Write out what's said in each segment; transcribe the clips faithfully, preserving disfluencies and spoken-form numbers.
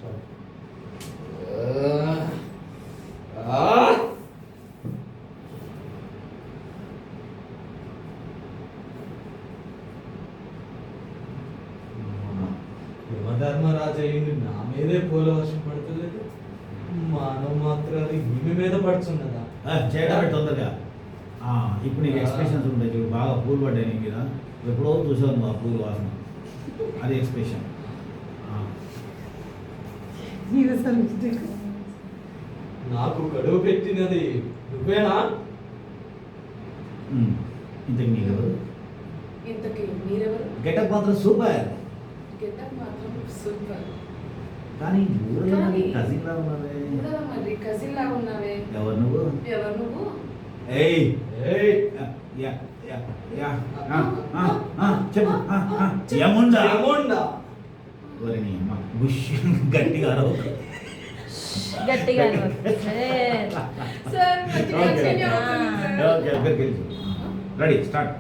యమధర్మరాజు అయ్యింది నా మీదే పూల వర్షం పడతలేదు, మానవ మాత్రాలు ఈమె మీద పడుతున్నదా? చేయడం తొందరగా. ఇప్పుడు నీకు ఎక్స్ప్రెషన్స్ ఉంటాయి చూడు, బాగా పూలు పడ్డాయి నీ మీద. ఎప్పుడో చూసావు నువ్వు ఆ పూలు వాసన, అది ఎక్స్ప్రెషన్. నాకు గడువు పెట్టినది నువ్వేనా? ఇంతకు మీరెవరు? ఇంతకి మీరెవరు? గెటప్ మాత్రం సూపర్. గెటప్ మాత్రం సూపర్. కానీ ఊళ్ళో కజిన్ లా ఉన్నావే. ఊళ్ళో మరి కజిన్ లా ఉన్నావే. ఎవరు నువ్వు? ఎవరు నువ్వు? ఏయ్ ఏయ్ యా యా యా ఆ ఆ ఆ చెప్పు. ఆ ఆ యముండా యముండా. ఒరే నీ అమ్మ బుష్ గట్టిగా అరవ. గట్టిగా సార్ మంచిగా ఓకే ఓకే రెడీ స్టార్ట్.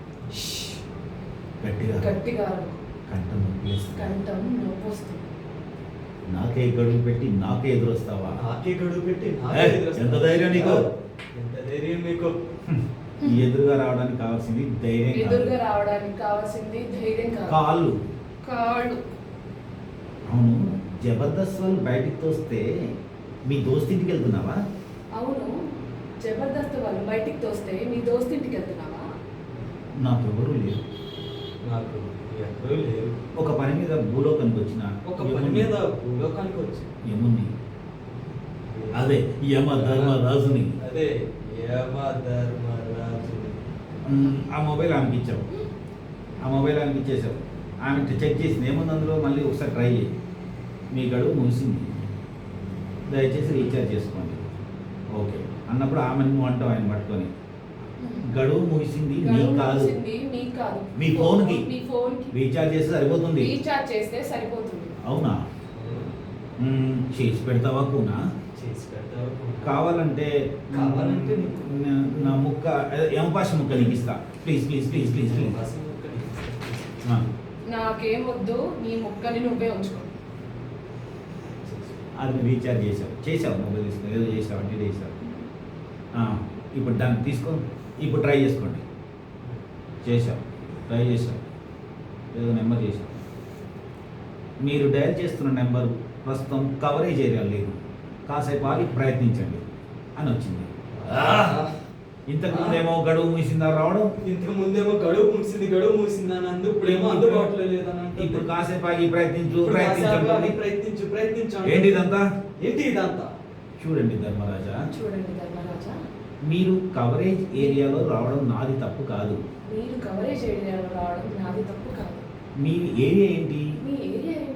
గట్టిగా గట్టిగా కంఠం నొప్పేస్తుంది. కంఠం నొప్పొస్తుంది. నాకే గడువు పెట్టి నాకే ఎదురొస్తావా? నాకే గడువు పెట్టి ఎంత ధైర్యం నీకు? ఎంత ధైర్యం మీకు? ఈ ఎదురుగా రావడానికి కావాల్సింది ధైర్యం. ఎదురుగా రావడానికి కావాల్సింది ధైర్యం కాదు, కాళ్ళు. కాళ్ళు. అవును, జబర్దస్త్ వాళ్ళు బయటికి తోస్తే మీ దోస్తింటికి వెళ్తున్నావా? అవును, జబర్దస్త్ వాళ్ళు బయటికి తోస్తే మీ దోస్తింటికి వెళ్తున్నావా? నాకు ఎవరు లేరు. నాకు ఎవరూ లేరు. ఒక పని మీద భూలోకానికి వచ్చిన ఒక పని మీద భూలోకానికి వచ్చి యముని, అదే యమ ధర్మరాజుని. అదే యమ ధర్మరాజు. ఆ మొబైల్ ఆమెకి ఇచ్చావు. ఆ మొబైల్ ఆమెకి ఇచ్చేసావు. ఆమె చెక్ చేసింది ఏముంది అందులో, మళ్ళీ ఒకసారి ట్రై చేయి. మీ గడువు ముగిసింది, దయచేసి రీఛార్జ్ చేసుకోండి. ఓకే అన్నప్పుడు ఆమె నువ్వు అంటావు ఆయన పట్టుకొని. గడువు ముగిసింది నీకు కాదు, మీ ఫోన్కి. మీ ఫోన్కి రీఛార్జ్ చేస్తే సరిపోతుంది. రీఛార్జ్ చేస్తే సరిపోతుంది. అవునా? చేసి పెడతావా కూనా? చేసి పెడతావా? కావాలంటే కావాలంటే నా ముక్క యమపాశ ముక్క నీకు ఇస్తా. Please please please please please. నాకేం వద్దు, నీ ముక్కని నువ్వే ఉంచుకో. అది రీఛార్జ్ చేసావు, చేసావు మొబైల్ తీసుకో, ఏదో చేసావు అంటే చేసావు. ఇప్పుడు దాన్ని తీసుకో, ఇప్పుడు ట్రై చేసుకోండి. చేసావు, ట్రై చేసావు, ఏదో నెంబర్ చేసావు. మీరు డయల్ చేస్తున్న నెంబర్ ప్రస్తుతం కవరేజ్ ఏరియా లేదు, కాసేపు ఆగి ప్రయత్నించండి అని వచ్చింది. ఇంతకు ముందేమో గడువు ముగిసిందా రావడం, ఇంతకు ముందేమో గడువు ముగిసింది గడువు ముగిసిందా నందు, ఇప్పుడేమో అందుబాటులో లేదని. ఇప్పుడు కాసేపు ఆగి ప్రయత్నించు ప్రయత్నించండి ప్రయత్నించు ప్రయత్నించు. ఏంటి ఇదంతా? ఏంటి ఇదంతా? చూడండి ధర్మరాజా, చూడండి ధర్మరాజా, మీరు కవరేజ్ ఏరియాలో రావడం నాది తప్పు కాదు. మీరు కవరేజ్ ఏరియాలో రావడం నాది తప్పు కాదు. మీ ఏరియా ఏంటి? మీ ఏరియా ఏంటి?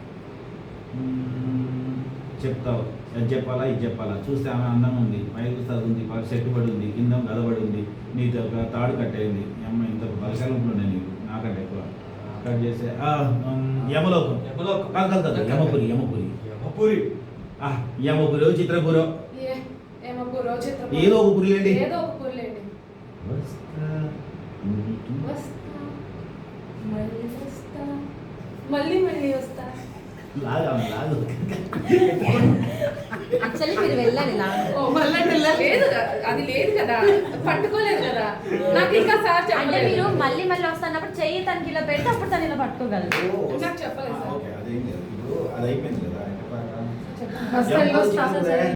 చెప్తావు, అది చెప్పాలా ఇది చెప్పాలా? చూస్తే ఆమె అందంగా ఉంది, పైకి చదువుంది, చెట్టుబడి ఉంది, కింద గదబడి ఉంది, నీతో ఒక తాడు కట్టేయింది. అమ్మ ఇంత బలశాలంలో ఉన్నాయి నీకు నాకంటే ఎక్కువ. కట్ చేస్తే యమలోకం. యమలోకం కాదు కాదు కాదు యమపురి యమపురి యమపురి యమపురి చిత్రపురం, ఏదో ఒక పురి లేండి. ఏదో ఒక పురి లేండి. మళ్ళీ వస్తా, మళ్ళీ మళ్ళీ వస్తా. లాగా లాగా యాక్చువల్లీ మీరు వెళ్ళాలి ఓ మళ్ళీ లేదు, అది లేదు కదా, పట్టుకోలేదు కదా. నాకు ఇంకా సార్ అంటే చెప్పలేదు. మీరు మళ్ళీ మళ్ళీ వస్తున్నప్పుడు చెయ్యి తనకి ఇలా పెడితే అప్పుడు తను ఇలా పట్టుకోగలరు. నాకు చెప్పలేదు సార్. ఓకే అదేం లేదు, ఇప్పుడు అది అయిపోయింది కదా. ఫస్ట్